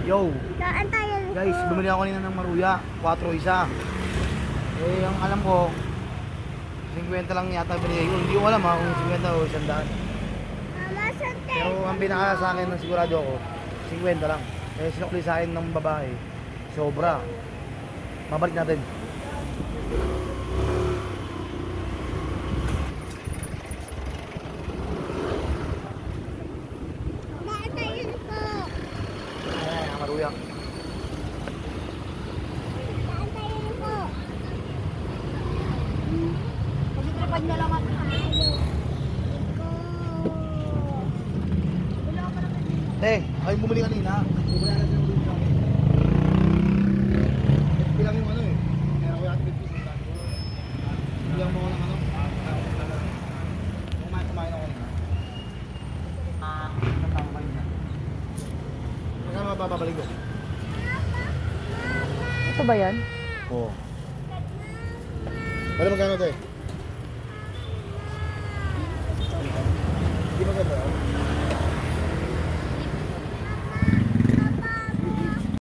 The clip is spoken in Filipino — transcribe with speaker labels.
Speaker 1: Yo!
Speaker 2: Saan tayo?
Speaker 1: Guys, bumili ako kanina ng maruya. 4 isa. Eh, ang alam ko, 50 lang yata binigay ko. Hindi ko alam kung 50 o 100.
Speaker 2: Mama, saan tayo?
Speaker 1: Pero ang pinaka sa akin ng sigurado ako, 50 lang. Eh, sinukli sa akin ng babae. Sobra. Mabalik natin.
Speaker 2: Saan tayo po?
Speaker 1: Ayan, ang maruya.
Speaker 2: Saan tayo po?
Speaker 3: Pag-tripad na lang ako.
Speaker 1: Te, ay bumili kanina. Bumili natin ng ulit sa akin. Bilang yung ano eh. Meron ko yung activity sa tayo. Bilang mo ko ng ano. Kumain ako kanina. Natama kanina. Magkano mababalik ko?
Speaker 3: Ito ba yan?
Speaker 1: Oo. Pero magkano te?